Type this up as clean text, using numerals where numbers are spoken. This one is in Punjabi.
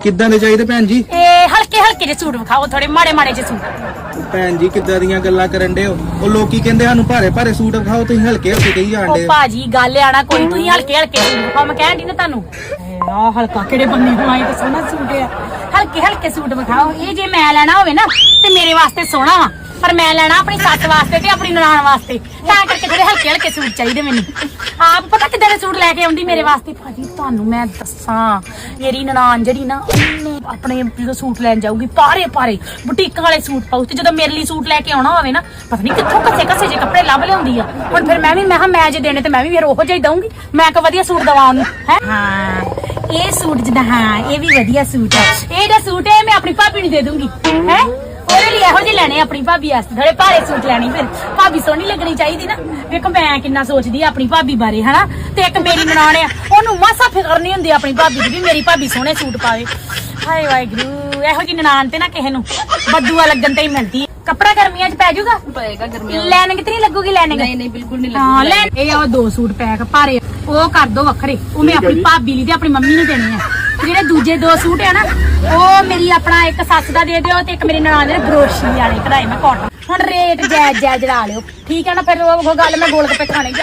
ਕਿੱਦਾਂ ਦੇ ਚਾਹੀਦੇ ਭੈਣ ਜੀ? ਇਹ ਹਲਕੇ ਹਲਕੇ ਜਿਹੇ ਸੂਟ ਵਿਖਾਓ, ਥੋੜੇ ਮਾੜੇ ਮਾੜੇ ਜਿਹੇ ਸੂਟ। ਭੈਣ ਜੀ ਕਿੱਦਾਂ ਦੀਆਂ ਗੱਲਾਂ ਕਰਨ ਡੇ ਹੋ? ਉਹ ਲੋਕੀ ਕਹਿੰਦੇ ਸਾਨੂੰ ਭਾਰੇ ਭਾਰੇ ਸੂਟ ਵਿਖਾਓ, ਤੁਸੀਂ ਹਲਕੇ ਹਲਕੇ ਕਹੀ ਜਾਂਦੇ ਉਹ ਭਾਜੀ ਗੱਲ ਆਣਾ ਕੋਈ, ਤੁਸੀਂ ਹਲਕੇ ਹਲਕੇ ਸੂਟ ਵਿਖਾਓ। ਮੈਂ ਕਹਿਣ ਦੀ ਨਾ ਤੁਹਾਨੂੰ ਆ ਹਲਕਾ ਕਿਹੜੇ ਬੰਨੇ ਬਣਾਏ ਤੇ ਸੋਹਣਾ ਸੂਟ ਆ। ਹਲਕੇ ਹਲਕੇ ਸੂਟ ਵਿਖਾਓ। ਇਹ ਜੇ ਮੈਂ ਲੈਣਾ ਹੋਵੇ ਨਾ ਤੇ ਮੇਰੇ ਵਾਸਤੇ ਸੋਹਣਾ ਵਾ, ਪਰ ਮੈਂ ਲੈਣਾ ਆਪਣੀ ਸੱਸ ਵਾਸਤੇ ਤੇ ਆਪਣੀ ਨਨਾਣ ਵਾਸਤੇ, ਤਾਂ ਕਰਕੇ ਥੋੜੇ ਹਲਕੇ ਹਲਕੇ ਸੂਟ ਚਾਹੀਦੇ ਮੈਨੂੰ। ਆਪ ਪਤਾ ਕਿੱਦਾਂ ਦੇ ਸੂਟ ਲੈ ਕੇ ਆਉਂਦੀ ਮੇਰੇ ਵਾਸਤੇ ਭਾਜੀ, ਤੁਹਾਨੂੰ ਮੈਂ ਦੱਸਾਂ। ਮੇਰੀ ਨਨਾਣ ਜਿਹੜੀ ਨਾ, ਉਹਨੇ ਆਪਣੇ ਜਦੋਂ ਸੂਟ ਲੈਣ ਜਾਊਗੀ ਪਾਰੇ ਪਾਰੇ ਬੁਟੀਕਾਂ ਵਾਲੇ ਸੂਟ ਪਾਉ, ਤੇ ਜਦੋਂ ਮੇਰੇ ਲਈ ਸੂਟ ਲੈ ਕੇ ਆਉਣਾ ਹੋਵੇ ਨਾ, ਪਤਾ ਨਹੀਂ ਕਿੱਥੋਂ ਘਸੇ ਘਸੇ ਜੇ ਕੱਪੜੇ ਲੱਭ ਲਿਆਉਂਦੀ ਆ। ਹੁਣ ਫਿਰ ਮੈਂ ਮੈਂ ਜੇ ਦੇਣੇ ਤੇ ਮੈਂ ਵੀ ਫਿਰ ਉਹੋ ਜਿਹਾ ਹੀ ਦਊਂਗੀ। ਮੈਂ ਕੋ ਵਧੀਆ ਸੂਟ ਦਵਾ ਉਹਨੂੰ ਹੈ। ਹਾਂ ਇਹ ਸੂਟ ਜਿੱਦਾਂ, ਹਾਂ ਇਹ ਵੀ ਵਧੀਆ ਸੂਟ ਹੈ। ਇਹ ਜਿਹੜਾ ਸੂਟ ਹੈ ਮੈਂ ਆਪਣੀ ਭਾਬੀ ਨੂੰ ਦੇ ਦੂੰਗੀ ਹੈ। ਉਹਦੇ ਲਈ ਇਹੋ ਜਿਹੇ ਲੈਣੇ ਆਪਣੀ ਭਾਬੀ ਵਾਸਤੇ, ਥੋੜੇ ਭਾਰੇ ਸੂਟ ਲੈਣੇ। ਫਿਰ ਭਾਬੀ ਸੋਹਣੀ ਲੱਗਣੀ ਚਾਹੀਦੀ ਨਾ। ਵੇਖੋ ਮੈਂ ਕਿੰਨਾ ਸੋਚਦੀ ਆ ਆਪਣੀ ਭਾਬੀ ਬਾਰੇ ਹਨਾ। ਤੇ ਇੱਕ ਮੇਰੀ ਨਨਾਣ ਆ, ਉਹਨੂੰ ਮਾਸਾ ਫਿਕਰ ਨਹੀਂ ਹੁੰਦੀ ਆਪਣੀ ਭਾਬੀ ਦੀ ਵੀ ਮੇਰੀ ਭਾਬੀ ਸੋਹਣੇ ਸੂਟ ਪਾਵੇ। ਹਾਏ ਵਾਹਿਗੁਰੂ, ਇਹੋ ਜਿਹੀ ਨਨਾਣ ਤੇ ਨਾ ਕਿਸੇ ਨੂੰ ਬਦੂਆ ਲੱਗਣ ਤੇ ਹੀ ਮਿਲਦੀ। ਕੱਪੜਾ ਗਰਮੀਆਂ 'ਚ ਪੈ ਜਾਊਗਾ? ਪਏਗਾ ਗਰਮੀਆਂ। ਲੈਣਗੇ ਤੇ ਨਹੀਂ ਲੱਗੂਗੀ? ਲੈਣਗੇ ਨਹੀਂ ਬਿਲਕੁਲ ਨਹੀਂ ਹਾਂ ਲੈ। ਇਹ ਆ ਦੋ ਸੂਟ ਪੈਕ ਭਾਰੇ, ਉਹ ਕਰ ਦੋ ਵੱਖਰੇ। ਉਹ ਮੈਂ ਆਪਣੀ ਭਾਬੀ ਲਈ ਤੇ ਆਪਣੀ ਮੰਮੀ ਨੂੰ ਦੇਣੇ ਆ। ਜਿਹੜੇ ਦੂਜੇ ਦੋ ਸੂਟ ਆ ਨਾ, ਉਹ ਮੇਰੀ ਆਪਣਾ ਇੱਕ ਸੱਸ ਦਾ ਦੇ ਦਿਓ ਤੇ ਇੱਕ ਮੇਰੀ ਨਨਾਣ ਦੇ ਬਰੋਸ਼ੀ ਵਾਲੇ ਕਢਾਈ ਮੈਂ ਕਾਟਨ। ਹੁਣ ਰੇਟ ਜਾਇਜ਼ ਲਾ ਲਿਓ, ਠੀਕ ਹੈ ਨਾ? ਫਿਰ ਉਹ ਗੱਲ ਮੈਂ ਗੋਲ ਗੱਪੇ ਖਾਣੇ